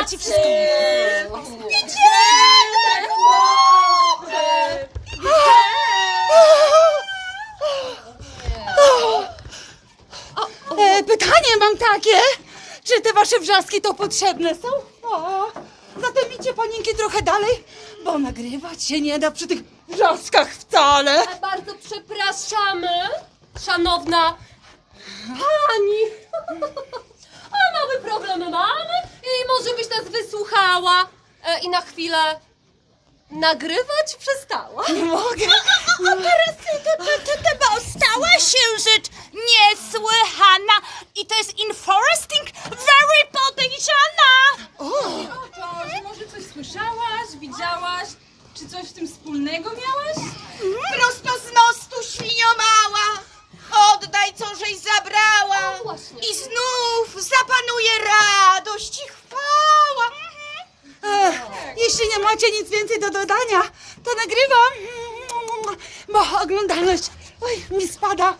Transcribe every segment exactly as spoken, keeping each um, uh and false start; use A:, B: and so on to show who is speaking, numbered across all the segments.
A: ja ci wszystko e, Pytanie mam takie, czy te wasze wrzaski to potrzebne są? O, zatem idźcie panienki trochę dalej, bo nagrywać się nie da przy tych wrzaskach wcale.
B: A bardzo przepraszamy, szanowna pani. A mały problem mamy i może byś nas wysłuchała e, i na chwilę nagrywać przestała.
A: Nie mogę.
C: Teraz bo stała się rzecz niesłychana i to jest interesting, very podejrzana.
D: To, że może coś słyszałaś, widziałaś, czy coś w tym wspólnego miałaś?
C: Prosto z mostu świnio mała, oddaj co żeś zabrała
B: O, właśnie.
C: i znów zapanuje radość i chwała.
A: Ech, jeśli nie macie nic więcej do dodania, to nagrywam, bo oglądalność oj, mi spada.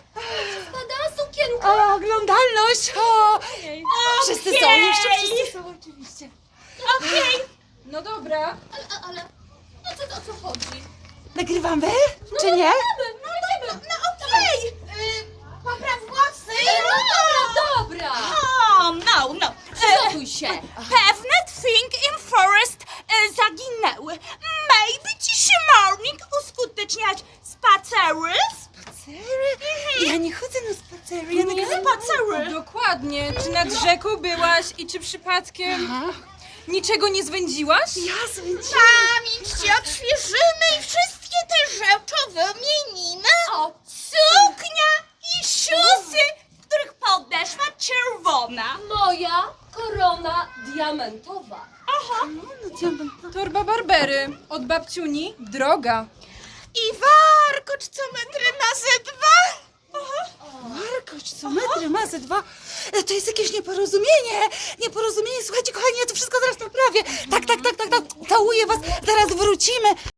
B: Spada sukienka.
A: O, oglądalność. O, wszyscy są, jeszcze
C: Okej.
A: wszyscy są oczywiście.
C: Okej,
D: No dobra.
B: Ale, ale no co, o co chodzi?
A: Nagrywamy, czy nie?
B: No, no,
C: no okej, y, popraw włosy.
B: dobra, dobra.
C: O, no, no.
B: Przygotuj się.
C: Pewne thing in forest e, zaginęły. Maybe dziś morning uskuteczniać spacery?
A: Spacery? Ja nie chodzę na spacery, ja
C: Nie
A: nagrywam.
C: spacery.
D: Dokładnie. Czy nad rzeką byłaś i czy przypadkiem
A: Aha,
D: niczego nie zwędziłaś?
A: ja zwędziłam.
C: Pamięć ci odświeżymy i wszystkie te rzeczy wymienimy.
B: O,
C: Suknia i szusy, w których podeszła czerwona.
B: moja korona diamentowa.
A: No, diament.
D: Torba Barbery. Od babciuni droga.
C: I warkocz co metry ma ze dwa.
A: Markoś, co metry ma ze dwa. E, To jest jakieś nieporozumienie. Nieporozumienie. Słuchajcie, kochani, ja to wszystko zaraz naprawię. Tak, tak, tak, tak, tak. Całuję was. Zaraz wrócimy.